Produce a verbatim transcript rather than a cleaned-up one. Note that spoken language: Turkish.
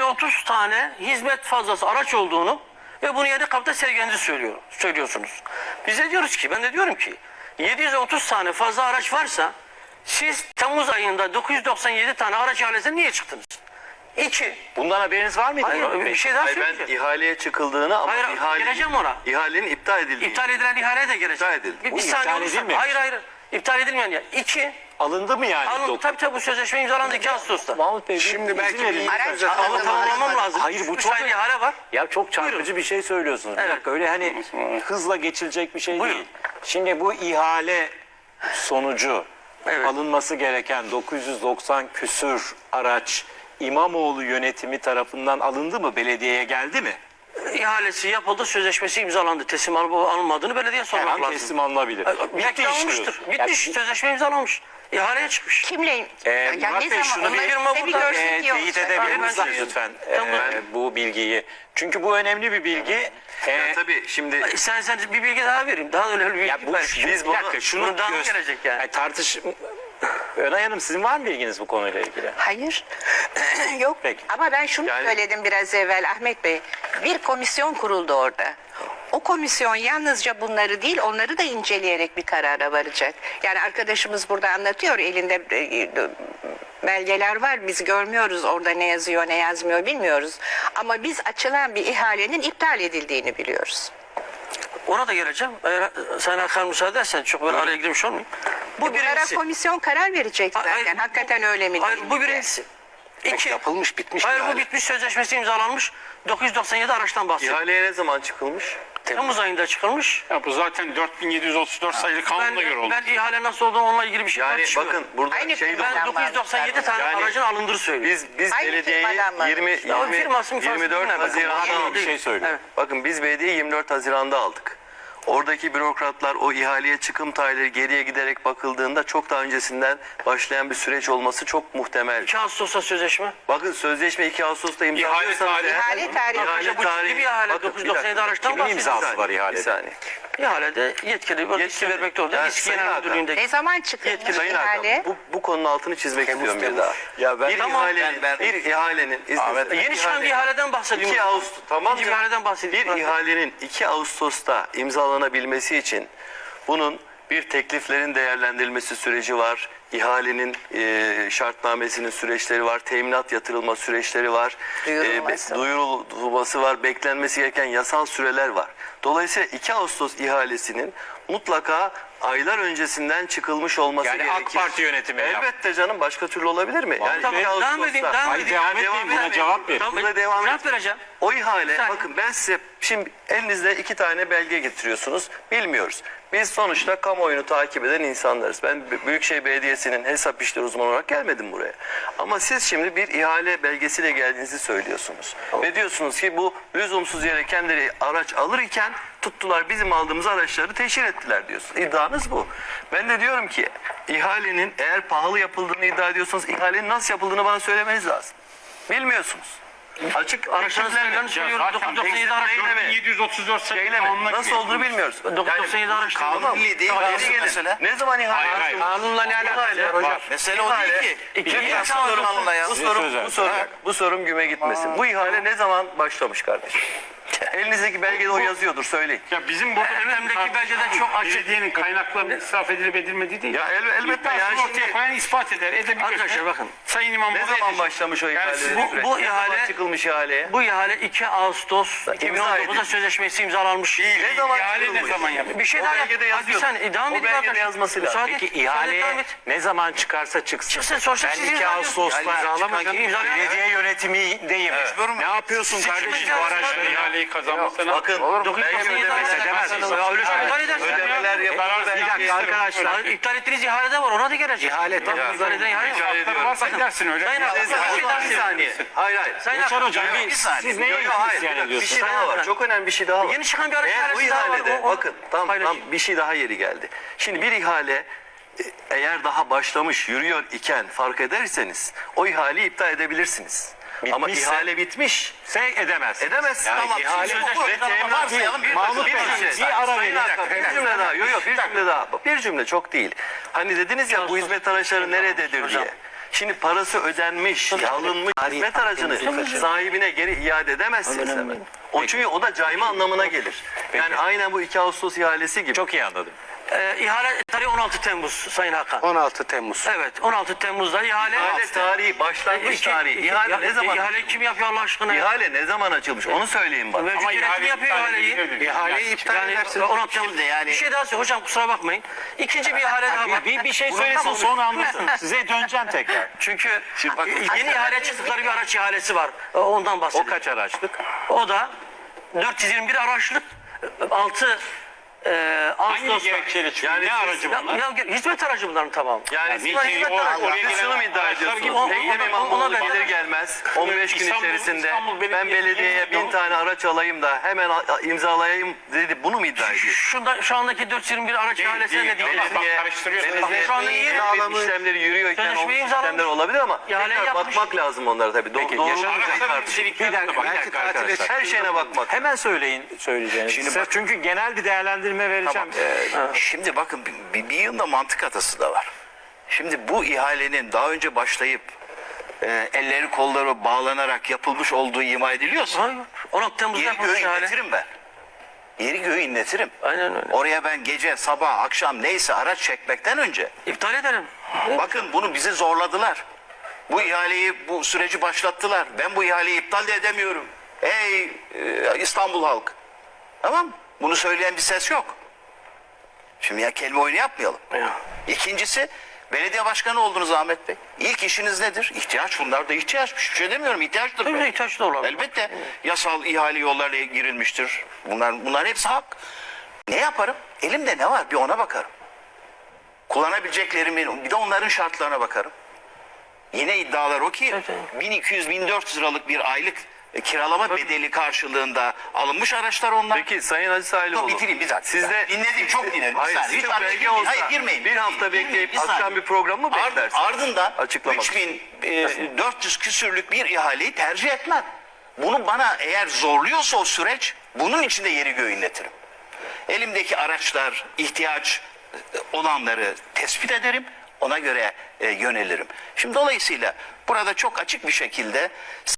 otuz tane hizmet fazlası araç olduğunu ve bunu yedi kapta sergilediğinizi söylüyor, söylüyorsunuz. Biz de diyoruz ki, ben de diyorum ki yedi yüz otuz tane fazla araç varsa siz Temmuz ayında dokuz yüz doksan yedi tane araç ihalesine niye çıktınız? İki. Bundan haberiniz var mıydı? Hayır, bir şey daha Hayır, ben söyleyeceğim. ihaleye çıkıldığını ama Hayır, ihale, geleceğim ona. ihalenin iptal edildiğini. İptal edilen ihaleye de geleceğim. İptal edildi. Bir, Bu bir saniye iptal olursa- edilmemiş. Hayır hayır. İptal edilmeyen ya. İki. Alındı mı yani? Alın, Dok- tabii tabii bu sözleşme imzalandı iki Ağustos'ta. Mahmut Bey, Şimdi izin belki verin. bir- Araç Ama alındı mı, tamamlamam alınmadı. lazım. Hayır, bu Üç çok- tane ihale var. Ya çok çarpıcı Buyurun. bir şey söylüyorsunuz. Bir Evet. dakika, öyle hani hızla geçilecek bir şey Buyurun. değil. Şimdi bu ihale sonucu Evet. alınması gereken dokuz yüz doksan küsür araç İmamoğlu yönetimi tarafından alındı mı? Belediyeye geldi mi? İhalesi yapıldı, sözleşmesi imzalandı. Teslim alıp alınmadığını belediye Her sormak an lazım. teslim alınabilir. Bitti Bitti iş alınmıştır. diyorsun. Bitmiş. Ya, Sözleşme imzalanmış. İhaleye çıkmış. Kimle? Ee, ya Murat ne Bey, zaman? şunu bir- Onları Firma bir burada, görsek e, iyi teyit olacak. edebilir Hayır, ben misiniz şey- lütfen Tamam. e, bu bilgiyi? Çünkü bu önemli bir bilgi. E, Ya tabii şimdi Ay, Sen, sen bir bilgi daha vereyim. Daha önemli bir bilgi ya bu, var. biz bir dakika şunu bunu daha mı göster- gelecek yani? Yani tartış... Önay Hanım, sizin var mı bilginiz bu konuyla ilgili? Hayır. Yok. Peki. Ama ben şunu Yani- söyledim biraz evvel Ahmet Bey. Bir komisyon kuruldu orada. O komisyon yalnızca bunları değil, onları da inceleyerek bir karara varacak. Yani arkadaşımız burada anlatıyor, elinde e, belgeler var. Biz görmüyoruz orada ne yazıyor, ne yazmıyor bilmiyoruz. Ama biz açılan bir ihalenin iptal edildiğini biliyoruz. Ona da geleceğim. Eğer sen Hakan müsaade edersen çok böyle araya girmiş olmayayım. Bu Bu Bunlara birincisi. komisyon karar verecek zaten. Hayır, bu- Hakikaten öyle mi Hayır değil bu mi diye. birincisi. İki. Yapılmış, bitmiş Hayır bir bu hale. bitmiş, sözleşmesi imzalanmış. dokuz yüz doksan yedi araçtan bahsediyor. ihaleye ne zaman çıkılmış? Temmuz ayında çıkılmış. Ya bu zaten dört bin yedi yüz otuz dört sayılı Ben, kanuna göre oldu. ben ihale nasıl olduğunu onunla ilgili bir şey Yani tartışmıyorum. bakın burada Aynı şey de firmadan Ben dokuz yüz doksan yedi tane Yani- aracın alındığını söylüyorum. biz biz Aynı belediyeyi firmadan mı? yirmi, Ya o yirmi firması mı, yirmi dört firması mı? Haziran'da Bakın, Bir aldık. şey söylüyor. Evet. Bakın biz belediye yirmi dört Haziran'da aldık. Oradaki bürokratlar o ihaleye çıkım tarihleri geriye giderek bakıldığında çok daha öncesinden başlayan bir süreç olması çok muhtemel. iki Ağustos'ta sözleşme. Bakın sözleşme iki Ağustos'ta imzalanıyorsanız tarihi- eğer- İhale tarihi. İhale Bu ciddi bir ihale. Bakın, dokuz yüz bir doksan yedi dakika. araçtan Kimin bahsediyoruz. imzası var ihalede? Bir saniye. İhalede yetkili bir riski vermekte olduğu Yani risk Sayın genel Hakan, müdürlüğündeki. Ne zaman çıkılmış Yetkili Sayın ihale? Hakan, bu, bu konunun altını çizmek istiyorum bir daha. Ya ben- bir Tamam, ihalenin, ben- ben- bir ihalenin, izninizle, Yeni çıkan bir ihaleden bahsediyorum. iki Ağustos, tamam İkinci mı? bir ihaleden bahsediyorum. Bir ihalenin iki Ağustos'ta imzalanabilmesi için bunun bir tekliflerin değerlendirilmesi süreci var. İhalenin e, şartnamesinin süreçleri var. Teminat yatırılma süreçleri var. Duyurulması. E, duyurulması var. Beklenmesi gereken yasal süreler var. Dolayısıyla iki Ağustos ihalesinin mutlaka aylar öncesinden çıkılmış olması Yani gerekir. AK Parti yönetimi yap- Elbette canım, başka türlü olabilir mi? Yani Tamam, iki devam Ağustos'ta- edeyim, devam Hayır, edeyim. devam etmeyin, buna cevap verin. Tamam, Burada devam cevap et. vereceğim. O ihale, saniye. bakın ben size şimdi elinizde iki tane belge getiriyorsunuz. Bilmiyoruz. Biz sonuçta kamuoyunu takip eden insanlarız. Ben B- Büyükşehir Belediyesi'nin hesap işleri uzmanı olarak gelmedim buraya. Ama siz şimdi bir ihale belgesiyle geldiğinizi söylüyorsunuz. Ve diyorsunuz ki bu lüzumsuz yere kendileri araç alırken tuttular bizim aldığımız araçları teşhir ettiler diyorsunuz. İddianız bu. Ben de diyorum ki ihalenin eğer pahalı yapıldığını iddia ediyorsanız ihalenin nasıl yapıldığını bana söylemeniz lazım. Bilmiyorsunuz. Açık Araçların tekliflerle- sayılarını söylüyorum. zaten dokuz yüz doksan yedi araç. Tekliflerle- dört bin yedi yüz otuz dört sayılı Şeyle mi? kanuna Nasıl göre olduğunu yapılmış. bilmiyoruz. dokuz yüz doksan yedi araç. Kanun milli değil mi? Geri Nasıl gelin. mesele? Ne zaman ihale? Hayır, hayır. Kanunla ne alakası var hocam? Mesele o değil ki. İki Bir Ağustos sorum anla ya. Bu Size sorum, söz bu ver. sorum, bu sorum güme gitmesin. Bu ihale ne zaman başlamış kardeşim? Elinizdeki belgede o yazıyordur, söyleyin. Ya bizim burada Emremdeki belgede çok açık. belediyenin kaynaklarının israf edilip edilmediği değil. Ya el- elbette İddiasını yani ortaya şimdi- koyan ispat eder. Edebilir. Arkadaşlar bakın. Sayın İmamoğlu Ne zaman edecek. başlamış o Yani ihale? siz bu- bu Ne zaman ihale- çıkılmış ihaleye? Bu ihale iki Ağustos iki bin on dokuzda edildi. sözleşmesi imzalanmış. Ne zaman İhale ne çıkılmış? zaman yapılmış? Bir şey O daha belgede yap. yazıyor. Bir saniye devam O edin belgede arkadaşlar. yazması lazım. Müsaade et. Peki Müsaade ihale devam et. ne zaman çıkarsa çıksın. Çıksın, sonuçta Ben siz iki imzalıyorsunuz. Ağustos'ta Yani imzalamayın. İmzalamayın. belediye yönetimindeyim. Ne yapıyorsun Siz kardeşim kimin bu imzası araçları? var? İhaleyi kazanmasına. Bakın, dokuz yüz doksan belge yedi ödemeler araç. edemezsiniz. Ya öyle şey iptal edersiniz. ödemeler yapılır. Bir dakika arkadaşlar. Hayır, iptal ettiğiniz ihale de var, ona da gelecek. İhale Tamam, tabii. iptal eden ihale Rica var. ediyorum. Varsa edersin öyle. Sayın Hakan, Bir bir şey daha bir söyleyeyim. saniye. Hayır hayır. Sayın Uçar Hakan, hocam yok, bir, bir saniye. siz neye Yok, yok, hayır, isyan bir dakika, bir ediyorsunuz? şey daha var. Çok önemli bir şey daha var. Yeni çıkan bir araç Eğer bu ihalesi daha var. ihalede, O- o- bakın tam, tam paylaşayım. bir şey daha yeri geldi. Şimdi bir ihale e, eğer daha başlamış, yürüyor iken fark ederseniz o ihaleyi iptal edebilirsiniz. Ama Bitmişse- ihale bitmiş. Sen edemezsin. Edemezsin. Yani Tamam. ihale- Sözleşme Sözleşme- ve teminat varsayalım, bir Mahmut bir Bey, cümle. bir ara Sayın verin. Hakan, bir cümle daha. Yok yok bir cümle daha. Bir cümle çok değil. Hani dediniz ya bu hizmet araçları nerededir diye. Şimdi parası ödenmiş, alınmış hizmet aracını sahibine geri iade edemezsiniz hemen. O çünkü o da cayma anlamına gelir. Yani aynen bu iki Ağustos ihalesi gibi. Çok iyi anladım. Ee, ihale tarihi on altı Temmuz Sayın Hakan. on altı Temmuz. Evet on altı Temmuz'da ihale. İhale tarihi, başlangıç İki- tarihi. iki- İhale ya- ne zaman? İhale kim yapıyor Allah aşkına? ya? İhale ne zaman açılmış? Onu söyleyin bana. Mevcut Ama yönetim ihale yapıyor iptal ihaleyi. ediliyor. İhaleyi iptal Yani edersiniz. on altı Temmuz. Şimdi yani- Bir şey daha söyleyeyim. Hocam kusura bakmayın. İkinci bir ihale daha var. Bir, bir şey Bunu- söylesin tamam. sonra anlatın. Size döneceğim tekrar. Çünkü bak- yeni ihale çıktıkları bir araç ihalesi var. Ondan O bahsediyorum. kaç araçlık? O da dört yüz yirmi bir araçlık altı e, Hangi Ağustos'ta. gerekçeyle çıkıyor? Yani ne siz- aracı Ya, bunlar? ya, hizmet aracı bunların tamam. Yani bir bunlar şey hizmet o- aracı. oraya Siz şunu mu iddia araçlar ediyorsunuz? gibi- O- Ekrem ona- İmamoğlu ona ben- gelir gelmez on beş gün İstanbul- içerisinde İstanbul ben Belediyesi belediyeye yeni- bin tane araç alayım da hemen a- imzalayayım dedi. Bunu mu iddia ediyorsunuz? Şunda, şu andaki dört yüz yirmi bir araç ihalesine değil, ne değil. diyeceğiz? Bak, Belediye, karıştırıyorsun. belediye Şu anda yeni imzalamış, işlemleri yürüyorken o Sözleşmeyi imzalamış. işlemler olabilir ama İhale tekrar yapmış. bakmak lazım onlara tabii. Do Peki, doğru yaşanan mu Araçların tartışılır. niteliklerine Bir dakika, bak. bir Belki dakika tatile arkadaşlar. Her şeyine bakmak. Hemen söyleyin söyleyeceğinizi. Şimdi Size bak- çünkü genel bir değerlendirme vereceğim. Tamam. Ee, Şimdi bakın bir, bir yığında mantık hatası da var. Şimdi bu ihalenin daha önce başlayıp e, elleri kolları bağlanarak yapılmış olduğu ima ediliyorsa Hayır. on altı Temmuz'da yeri yapılmış göğü ihale. inletirim ben. Yeri göğü inletirim. Aynen öyle. Oraya ben gece, sabah, akşam neyse araç çekmekten önce İptal edelim. bakın bunu bizi zorladılar. Bu ihaleyi, bu süreci başlattılar. Ben bu ihaleyi iptal de edemiyorum. Ey e, İstanbul halk. Tamam mı? Bunu söyleyen bir ses yok. Şimdi ya kelime oyunu yapmayalım. İkincisi belediye başkanı oldunuz Ahmet Bey. İlk işiniz nedir? İhtiyaç, bunlar da ihtiyaç. Bir şey demiyorum, ihtiyaçtır. Tabii be. ihtiyaç da olabilir. Elbette yasal ihale yollarla girilmiştir. Bunlar bunlar hepsi hak. Ne yaparım? Elimde ne var? Bir ona bakarım. Kullanabileceklerimi, bir de onların şartlarına bakarım. Yine iddialar o ki Evet. bin iki yüz bin dört yüz liralık bir aylık e, kiralama bedeli karşılığında alınmış araçlar onlar. Peki Sayın Aziz Aylıoğlu. Dur, bitireyim bir dakika. Sizde Dinledim, çok dinledim. Bir Hayır, saniye, hiç sizde araya belge girmeyin. olsa Hayır, girmeyin. bir hafta Girmeyin, bekleyip bir saniye. akşam bir program mı Ard- beklersiniz? Ardından Açıklamak üç bin dört yüz küsürlük bir ihaleyi tercih etmem. Bunu bana eğer zorluyorsa o süreç, bunun içinde yeri göğü inletirim. Elimdeki araçlar, ihtiyaç olanları tespit ederim. Ona göre e, yönelirim. Şimdi dolayısıyla burada çok açık bir şekilde